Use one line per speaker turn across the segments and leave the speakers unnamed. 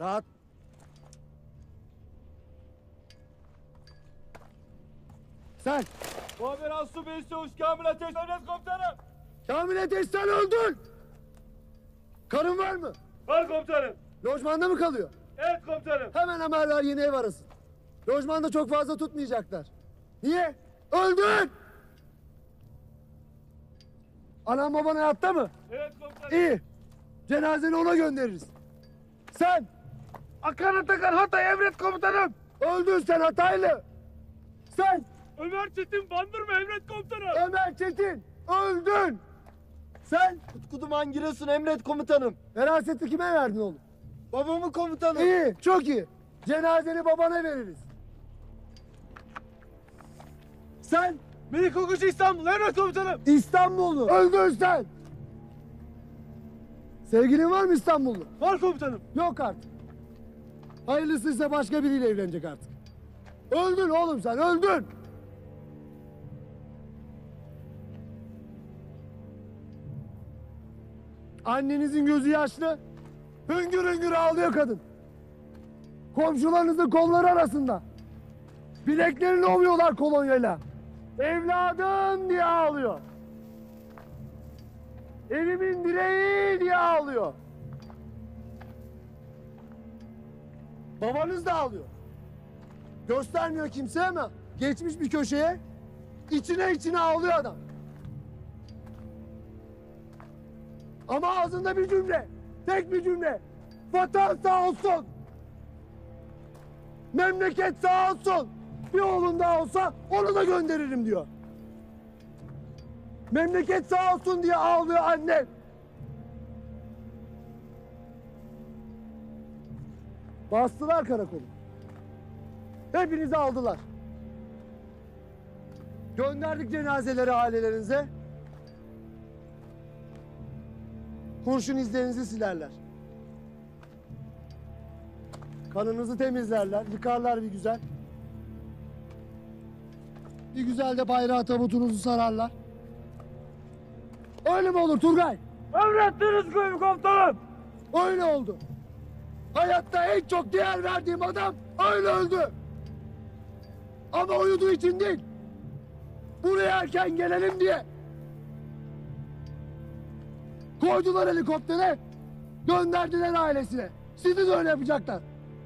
Rahat. Sen.
Muhabir Asubey Çavuş Kamil Ateş Emret Komutanım.
Kamil Ateş sen öldün. Karın var mı?
Var komutanım.
Lojmanda mı kalıyor?
Evet komutanım.
Hemen haberler yeni ev arasın. Lojmanda çok fazla tutmayacaklar. Niye? Öldün! Anan baban hayatta mı?
Evet komutanım.
İyi. Cenazeni ona göndeririz. Sen.
Akan Atakan Hatay Emret Komutanım.
Öldün sen Hataylı. Sen.
Ömer Çetin Bandırma Emret Komutanım.
Ömer Çetin. Öldün. Sen.
Utku Duman Giresun Emret Komutanım.
Veraseti kime verdin oğlum?
Babamı komutanım.
İyi. Çok iyi. Cenazeni babana veririz. Sen.
Melik Okuş İstanbul Emret Komutanım.
İstanbullu. Öldün sen. Sevgilin var mı İstanbullu?
Var komutanım.
Yok artık. Hayırlısıysa başka biriyle evlenecek artık. Öldün oğlum sen, öldün. Annenizin gözü yaşlı. Hüngür hüngür ağlıyor kadın. Komşularınızın kolları arasında. Bileklerini ovuyorlar kolonyayla. Evladım diye ağlıyor. Evimin direği diye ağlıyor. Babanız da ağlıyor. Göstermiyor kimseye ama geçmiş bir köşeye içine ağlıyor adam. Ama ağzında bir cümle, tek bir cümle. Vatan sağ olsun. Memleket sağ olsun. Bir oğlun daha olsa onu da gönderirim diyor. Memleket sağ olsun diye ağlıyor anne. Bastılar karakolu. Hepinizi aldılar. Gönderdik cenazeleri ailelerinize. Kurşun izlerinizi silerler. Kanınızı temizlerler, yıkarlar bir güzel. Bir güzel de bayrağı tabutunuzu sararlar. Öyle mi olur Turgay?
Emrettiniz komutanım.
Öyle oldu. Hayatta en çok değer verdiğim adam öyle öldü. Ama uyuduğu için değil. Buraya erken gelelim diye. Koydular helikoptere, gönderdiler ailesine. Sizi de öyle yapacaklar.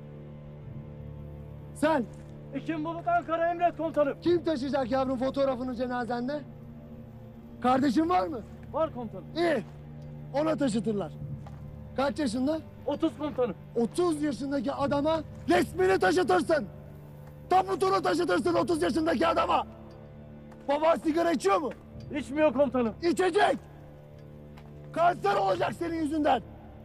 Sen,
Ekim Bulut Ankara Emret Komutanım.
kim taşıyacak yavrum fotoğrafını cenazende? Kardeşin var mı?
Var komutanım.
İyi, ona taşıtırlar. Kaç yaşında?
30 komutanım.
30 yaşındaki adama resmini taşıtırsın. Tabutunu taşıtırsın 30 yaşındaki adama. Baba sigara içiyor mu?
İçmiyor komutanım.
İçecek. Kanser olacak senin yüzünden.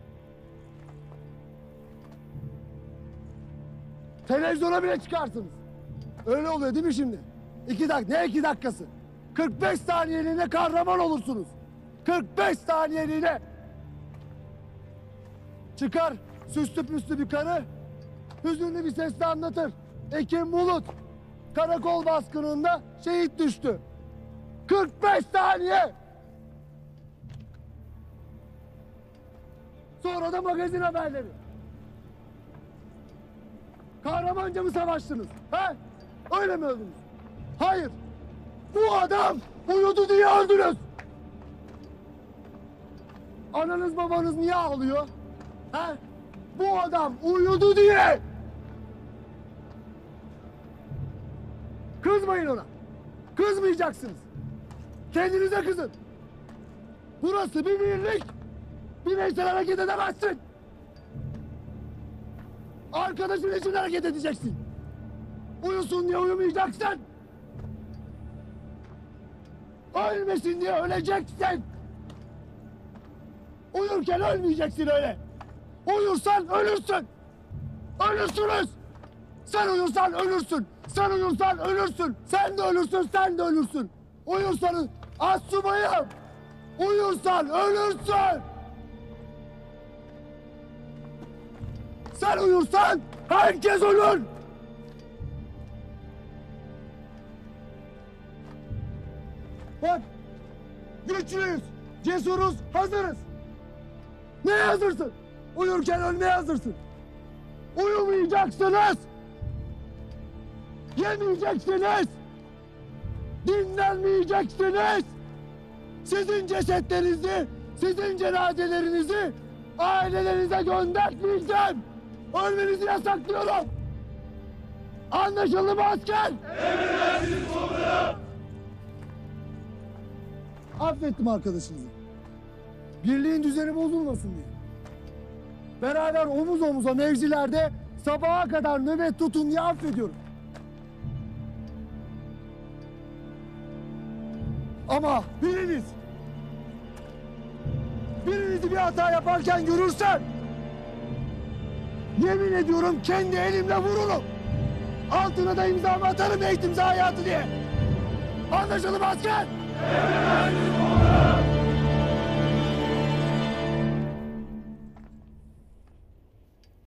Televizyona bile çıkarsınız. Öyle oluyor değil mi şimdi? 2 dakika, ne 2 dakikası? 45 saniyeliğine kahraman olursunuz. 45 saniyeliğine. Çıkar süslü püslü bir karı, hüzünlü bir sesle anlatır. Ekim Bulut karakol baskınında şehit düştü. 45 saniye. Sonra da magazin haberleri. Kahramanca mı savaştınız? He? Öyle mi öldünüz? Hayır. Bu adam uyudu diye öldünüz. Ananız babanız niye ağlıyor? He? Bu adam uyudu diye. Kızmayın ona. Kızmayacaksınız. Kendinize kızın. Burası bir birlik. Bireysel hareket edemezsin. Arkadaşın için hareket edeceksin. Uyusun diye uyumayacaksın. Ölmesin diye öleceksin. Uyurken ölmeyeceksin öyle. Uyursan ölürsün. Ölürsünüz. Sen uyursan ölürsün. Sen uyursan ölürsün. Sen de ölürsün, sen de ölürsün. Uyursanız astsubayım. Uyursan ölürsün. Sen uyursan herkes ölür. Bak, güçlüyüz, cesuruz, hazırız. Neye hazırsın? Uyurken ölmeye hazırsın. Uyumayacaksınız. Yemeyeceksiniz. Dinlenmeyeceksiniz. Sizin cesetlerinizi, sizin cenazelerinizi ailelerinize göndermeyeceğim. Ölmenizi yasaklıyorum. Anlaşıldı mı asker? Emredersiniz komutanım. Affettim arkadaşınızı. Birliğin düzeni bozulmasın diye. Beraber omuz omuza mevzilerde sabaha kadar nöbet tutun diye affediyorum. Ama birinizi bir hata yaparken görürsem yemin ediyorum kendi elimle vururum. Altına da imzamı atarım eğitim zayiatı diye. Anlaşıldı mı asker? Evet.